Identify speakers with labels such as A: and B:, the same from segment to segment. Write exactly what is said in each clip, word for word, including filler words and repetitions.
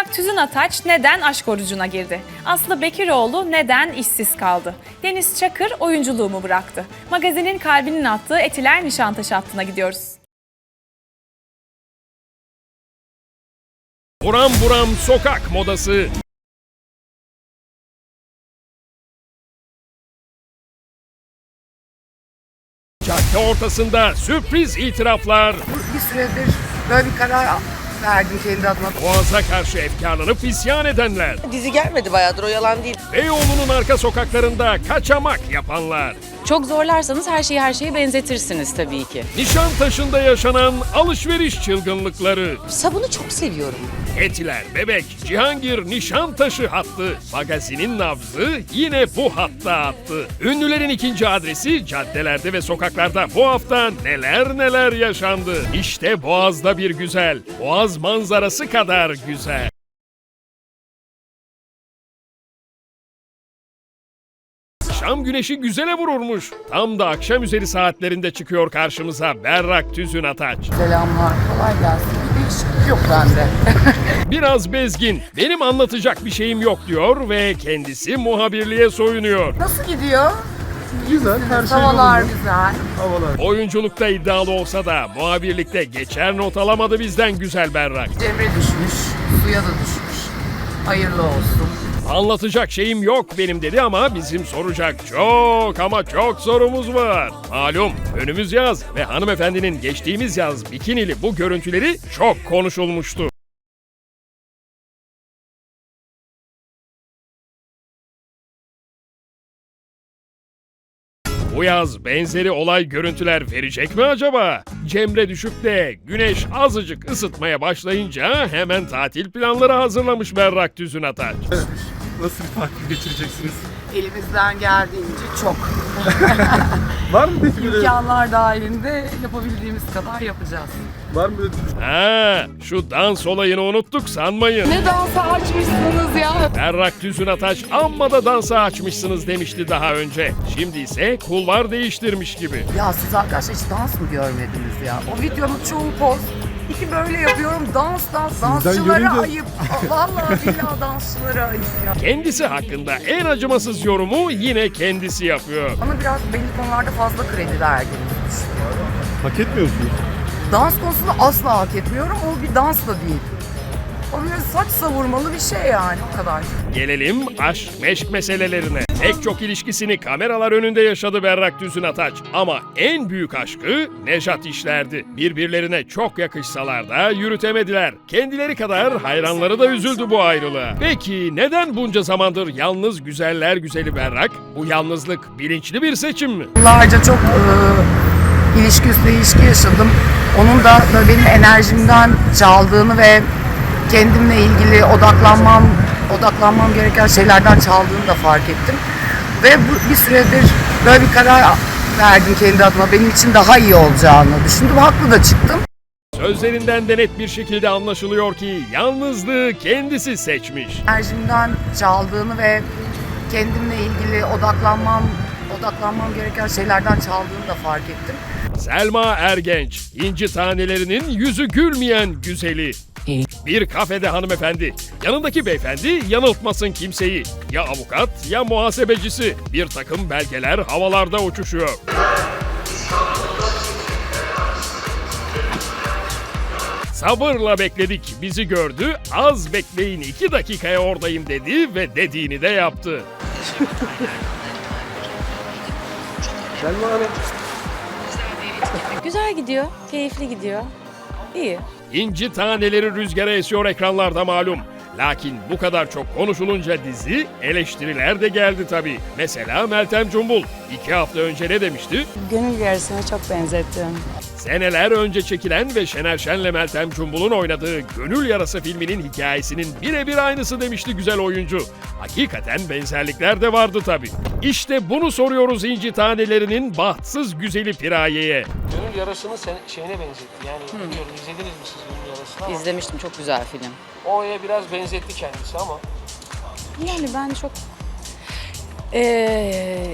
A: Berrak Tüzün Ataç neden aşk orucuna girdi? Aslı Bekiroğlu neden işsiz kaldı? Deniz Çakır oyunculuğumu bıraktı. Magazinin kalbinin attığı Etiler Nişantaşı hattına gidiyoruz.
B: Buram buram sokak modası. Cadde ortasında sürpriz itiraflar.
C: Bir süredir böyle bir karar verdim kendi adıma.
B: Boğaz'a karşı efkarlanıp isyan edenler.
D: Dizi gelmedi bayağıdır, o yalan değil.
B: Beyoğlu'nun arka sokaklarında kaçamak yapanlar.
E: Çok zorlarsanız her şeyi her şeye benzetirsiniz tabii ki.
B: Nişantaşı'nda yaşanan alışveriş çılgınlıkları.
D: Sabunu çok seviyorum.
B: Etiler, Bebek, Cihangir Nişantaşı hattı. Magazinin nabzı yine bu hatta attı. Ünlülerin ikinci adresi caddelerde ve sokaklarda bu hafta neler neler yaşandı. İşte Boğaz'da bir güzel. Boğaz manzarası kadar güzel. Şam güneşi güzele vururmuş. Tam da akşam üzeri saatlerinde çıkıyor karşımıza Berrak Tüzün Ataç.
C: Selamlar, kolay gelsin. Bir değişiklik yok bende.
B: Biraz bezgin, benim anlatacak bir şeyim yok diyor ve kendisi muhabirliğe soyunuyor.
C: Nasıl gidiyor?
F: Güzel, her şey
C: Havalar
F: yolunda.
C: güzel.
F: Havalar.
B: Oyunculukta iddialı olsa da muhabirlikte geçer not alamadı bizden güzel Berrak.
C: Cemre düşmüş, suya da düşmüş. Hayırlı olsun.
B: Anlatacak şeyim yok benim dedi ama bizim soracak çok ama çok sorumuz var. Malum önümüz yaz ve hanımefendinin geçtiğimiz yaz bikinili bu görüntüleri çok konuşulmuştu. Bu yaz benzeri olay görüntüler verecek mi acaba? Cemre düşüp de güneş azıcık ısıtmaya başlayınca hemen tatil planları hazırlamış Berrak Tüzün Ataç.
F: Nasıl bir tatil geçireceksiniz?
C: Elimizden geldiğince çok.
F: Var mı peki böyle?
C: İmkanlar dahilinde yapabildiğimiz kadar yapacağız.
F: Var mı böyle?
B: Ha, şu dans olayını unuttuk sanmayın.
C: Ne dansa açmışsınız ya.
B: Berrak Tüzün Ataç amma da dansa açmışsınız demişti daha önce. Şimdi ise kulvar değiştirmiş gibi.
C: Ya siz arkadaşlar hiç dans mı görmediniz ya? O videonun çoğu poz. İki böyle yapıyorum dans dans. Dansçılara
F: görünce-
C: ayıp. Vallahi billahi dansçılara ayıp ya.
B: Kendisi hakkında en acımasız yorumu yine kendisi yapıyor.
C: Bana biraz belli konularda fazla kredi verdiğinizi düşünüyorum.
F: Hak etmiyor musunuz?
C: Dans konusunda asla hak etmiyorum. O bir dans da değil. O böyle saç savurmalı bir şey yani, o kadar.
B: Gelelim aşk meşk meselelerine. Pek çok ilişkisini kameralar önünde yaşadı Berrak Tüzün Ataç. Ama en büyük aşkı Nejat işlerdi. Birbirlerine çok yakışsalar da yürütemediler. Kendileri kadar hayranları da üzüldü bu ayrılığa. Peki neden bunca zamandır yalnız güzeller güzeli Berrak? Bu yalnızlık bilinçli bir seçim mi?
C: Yıllarca çok e, ilişki üstüne ilişki yaşadım. Onun da böyle benim enerjimden çaldığını ve kendimle ilgili odaklanmam odaklanmam gereken şeylerden çaldığını da fark ettim. Ve bu, bir süredir böyle bir karar verdim kendi adıma. Benim için daha iyi olacağını düşündüm. Haklı da çıktım.
B: Sözlerinden de net bir şekilde anlaşılıyor ki yalnızlığı kendisi seçmiş.
C: Enerjimden çaldığını ve kendimle ilgili odaklanmam odaklanmam gereken şeylerden çaldığını da fark ettim.
B: Selma Ergenç, inci tanelerinin yüzü gülmeyen güzeli. Bir kafede hanımefendi, yanındaki beyefendi yanıltmasın kimseyi. Ya avukat ya muhasebecisi. Bir takım belgeler havalarda uçuşuyor. Sabırla bekledik, bizi gördü. Az bekleyin, iki dakikaya oradayım dedi ve dediğini de yaptı.
F: Selma Hanım.
E: Güzel gidiyor, keyifli gidiyor. İyi.
B: İnci taneleri rüzgara esiyor ekranlarda malum. Lakin bu kadar çok konuşulunca dizi, eleştiriler de geldi tabii. Mesela Meltem Cumbul iki hafta önce ne demişti?
E: Gönül yarısına çok benzettim.
B: Seneler önce çekilen ve Şener Şen'le Meltem Cumbul'un oynadığı Gönül Yarası filminin hikayesinin birebir aynısı demişti güzel oyuncu. Hakikaten benzerlikler de vardı tabii. İşte bunu soruyoruz İnci Tanelerinin bahtsız güzeli Piraye'ye.
G: Gönül yarasını sen, şeyine benzetti. Yani bilmiyorum izlediniz mi siz Gönül yarasını ama
E: İzlemiştim, çok güzel film.
G: O'ya biraz benzetti kendisi ama
E: Yani ben çok... Ee,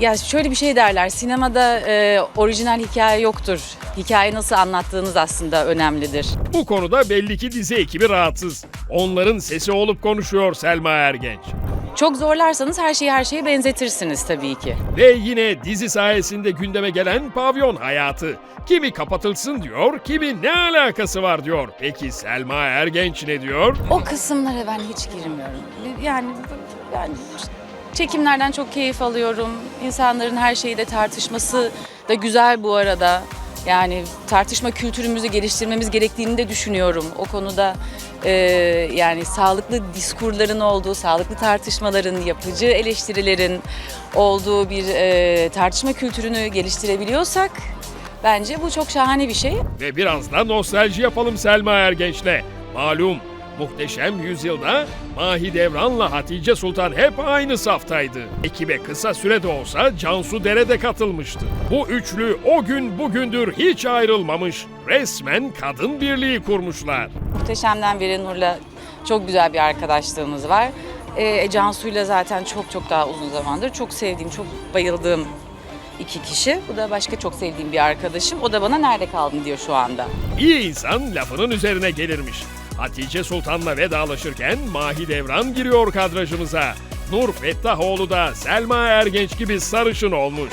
E: Ya şöyle bir şey derler, sinemada e, orijinal hikaye yoktur. Hikaye nasıl anlattığınız aslında önemlidir.
B: Bu konuda belli ki dizi ekibi rahatsız. Onların sesi olup konuşuyor Selma Ergenç.
E: Çok zorlarsanız her şeyi her şeye benzetirsiniz tabii ki.
B: Ve yine dizi sayesinde gündeme gelen pavyon hayatı. Kimi kapatılsın diyor, kimi ne alakası var diyor. Peki Selma Ergenç ne diyor?
E: O kısımlara ben hiç girmiyorum. Yani ben çekimlerden çok keyif alıyorum. İnsanların her şeyde tartışması da güzel bu arada. Yani tartışma kültürümüzü geliştirmemiz gerektiğini de düşünüyorum. O konuda e, yani sağlıklı diskurların olduğu, sağlıklı tartışmaların, yapıcı eleştirilerin olduğu bir e, tartışma kültürünü geliştirebiliyorsak bence bu çok şahane bir şey.
B: Ve biraz da nostalji yapalım Selma Ergenç'le. Malum Muhteşem Yüzyıl'da Mahidevran'la Hatice Sultan hep aynı saftaydı. Ekibe kısa sürede olsa Cansu Dere de katılmıştı. Bu üçlü o gün bugündür hiç ayrılmamış. Resmen kadın birliği kurmuşlar.
E: Muhteşem'den beri Nur'la çok güzel bir arkadaşlığımız var. E, Cansu'yla zaten çok çok daha uzun zamandır çok sevdiğim, çok bayıldığım iki kişi. Bu da başka çok sevdiğim bir arkadaşım. O da bana nerede kaldın diyor şu anda.
B: İyi insan lafının üzerine gelirmiş. Hatice Sultan'la vedalaşırken Mahidevran giriyor kadrajımıza. Nur Fettahoğlu da Selma Ergenç gibi sarışın olmuş.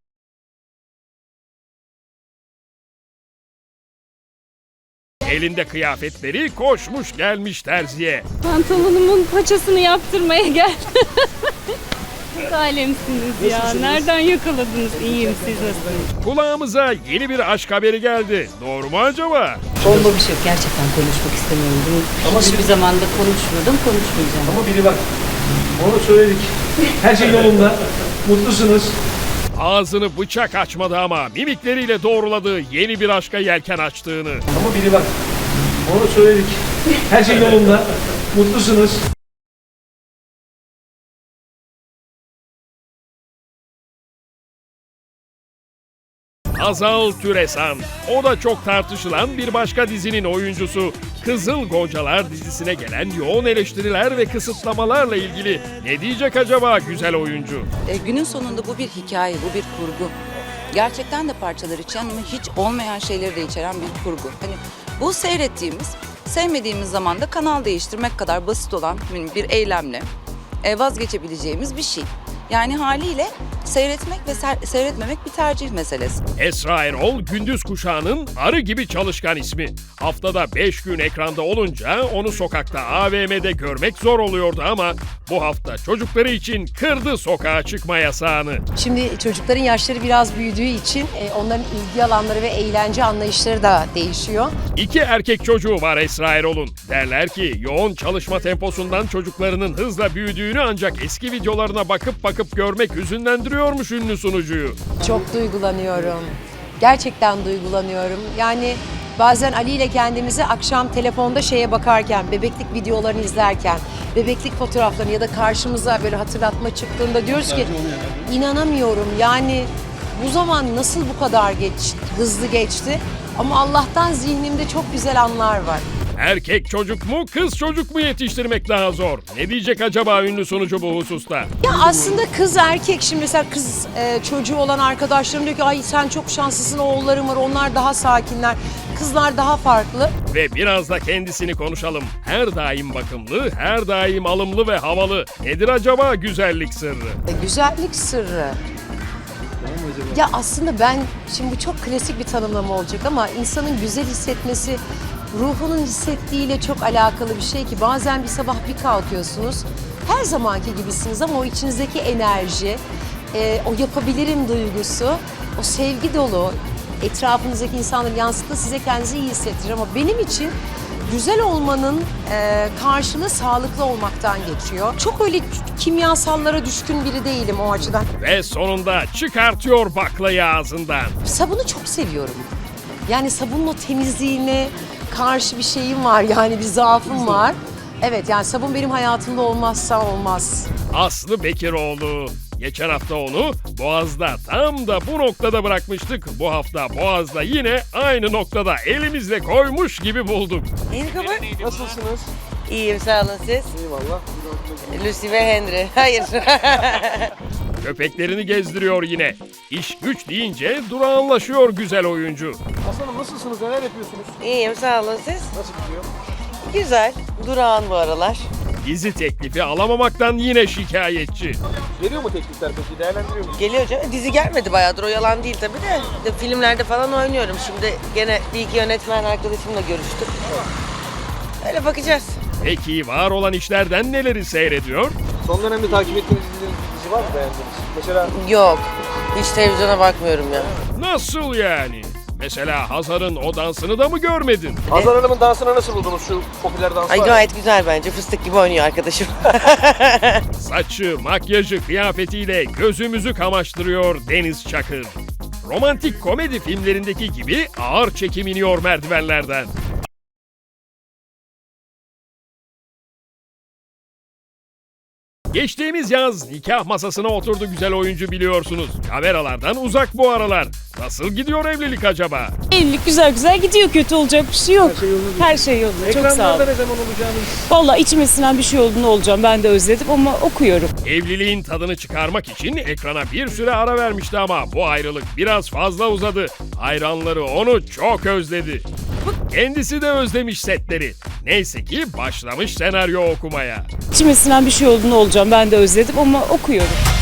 B: Elinde kıyafetleri koşmuş gelmiş terziye.
H: Pantolonumun paçasını yaptırmaya geldim. Siz alemsiniz ya. Nereden yakaladınız? İyiyim, siz nasılsınız?
B: Kulağımıza yeni bir aşk haberi geldi. Doğru mu acaba?
I: Bomba bir şey yok. Gerçekten konuşmak istemiyorum. Bunu
F: Ama
I: hiçbir zamanda konuşmadım, konuşmayacağım.
F: Ama biri bak. Onu söyledik. Her şey yolunda. Mutlusunuz.
B: Ağzını bıçak açmadı ama mimikleriyle doğruladığı yeni bir aşka yelken açtığını.
F: Ama biri bak. Onu söyledik. Her şey yolunda. Mutlusunuz.
B: Hazal Türesan. O da çok tartışılan bir başka dizinin oyuncusu. Kızıl Goncalar dizisine gelen yoğun eleştiriler ve kısıtlamalarla ilgili ne diyecek acaba güzel oyuncu?
D: E, günün sonunda bu bir hikaye, bu bir kurgu. Gerçekten de parçalar içeren ama hiç olmayan şeyleri de içeren bir kurgu. Hani bu seyrettiğimiz, sevmediğimiz zaman da kanal değiştirmek kadar basit olan bir eylemle e, vazgeçebileceğimiz bir şey. Yani haliyle seyretmek ve ser- seyretmemek bir tercih meselesi.
B: Esra Erol, gündüz kuşağının arı gibi çalışkan ismi. Haftada beş gün ekranda olunca onu sokakta A V M'de görmek zor oluyordu ama bu hafta çocukları için kırdı sokağa çıkma yasağını.
J: Şimdi çocukların yaşları biraz büyüdüğü için e, onların ilgi alanları ve eğlence anlayışları da değişiyor.
B: İki erkek çocuğu var Esra Erol'un. Derler ki yoğun çalışma temposundan çocuklarının hızla büyüdüğünü ancak eski videolarına bakıp bakıp görmek hüzünlendiriyormuş ünlü sunucuyu.
J: Çok duygulanıyorum. Gerçekten duygulanıyorum. Yani bazen Ali ile kendimizi akşam telefonda şeye bakarken, bebeklik videolarını izlerken, bebeklik fotoğraflarını ya da karşımıza böyle hatırlatma çıktığında diyoruz ki inanamıyorum. Yani bu zaman nasıl bu kadar geç, hızlı geçti? Ama Allah'tan zihnimde çok güzel anlar var.
B: Erkek çocuk mu, kız çocuk mu yetiştirmek daha zor? Ne diyecek acaba ünlü sunucu bu hususta?
J: Ya aslında kız erkek, şimdi mesela kız e, çocuğu olan arkadaşlarım diyor ki ay sen çok şanslısın, oğullarım var, onlar daha sakinler. Kızlar daha farklı.
B: Ve biraz da kendisini konuşalım. Her daim bakımlı, her daim alımlı ve havalı. Nedir acaba güzellik sırrı?
J: E, güzellik sırrı. Ya aslında ben, şimdi bu çok klasik bir tanımlama olacak ama insanın güzel hissetmesi ruhunun hissettiğiyle çok alakalı bir şey ki bazen bir sabah bir kalkıyorsunuz, her zamanki gibisiniz ama o içinizdeki enerji, e, o yapabilirim duygusu, o sevgi dolu, etrafınızdaki insanların yansıttığı size kendinizi iyi hissettirir ama benim için güzel olmanın e, karşılığı sağlıklı olmaktan geçiyor. Çok öyle kimyasallara düşkün biri değilim o açıdan.
B: Ve sonunda çıkartıyor baklayı ağzından.
J: Sabunu çok seviyorum. Yani sabunun o temizliğine karşı bir şeyim var, yani bir zaafım var. Evet, yani sabun benim hayatımda olmazsa olmaz.
B: Aslı Bekiroğlu. Geçen hafta onu Boğaz'da tam da bu noktada bırakmıştık. Bu hafta Boğaz'da yine aynı noktada elimizle koymuş gibi bulduk.
D: Merhaba.
G: Nasılsınız?
D: İyiyim, sağ olun siz.
G: Eyvallah.
D: Lucy ve Henry. Hayır.
B: köpeklerini gezdiriyor yine. İş güç deyince durağanlaşıyor güzel oyuncu.
G: Aslanım nasılsınız? Neler yapıyorsunuz?
K: İyiyim sağ olun siz.
G: Nasıl gidiyor?
K: Güzel. Durağan bu aralar.
B: Dizi teklifi alamamaktan yine şikayetçi.
G: Geliyor mu teklifler peki? Değerlendiriyor musunuz?
K: Geliyor canım. Dizi gelmedi bayağıdır o yalan değil tabii de. de. Filmlerde falan oynuyorum. Şimdi gene bir iki yönetmen arkadaşımla görüştük. Öyle bakacağız.
B: Peki var olan işlerden neleri seyrediyor?
G: Son dönemde takip ettiğiniz dizilerin bir dizi var mı beğendiğiniz? Mesela
K: Yok. Hiç televizyona bakmıyorum ya.
B: Nasıl yani? Mesela Hazar'ın o dansını da mı görmedin?
G: Hazar Hanım'ın dansını nasıl buldunuz? Şu popüler dans
K: Ay
G: var ya.
K: gayet güzel bence. Fıstık gibi oynuyor arkadaşım.
B: Saçı, makyajı, kıyafetiyle gözümüzü kamaştırıyor Deniz Çakır. Romantik komedi filmlerindeki gibi ağır çekim iniyor merdivenlerden. Geçtiğimiz yaz nikah masasına oturdu güzel oyuncu biliyorsunuz. Kameralardan uzak bu aralar. Nasıl gidiyor evlilik acaba?
H: Evlilik güzel güzel gidiyor. Kötü olacak bir şey yok.
G: Her şey yolunda.
H: Her şey yolunda. Çok sağ
G: Ekranlarda
H: olun.
G: ne zaman olacağını
H: Vallahi içmesinden bir şey olduğunu olacağım. Ben de özledim ama okuyorum.
B: Evliliğin tadını çıkarmak için ekrana bir süre ara vermişti ama bu ayrılık biraz fazla uzadı. Hayranları onu çok özledi. Kendisi de özlemiş setleri. Neyse ki başlamış senaryo okumaya.
H: İçmesinden bir şey olduğunu olacağım. Ben de özledim ama okuyorum.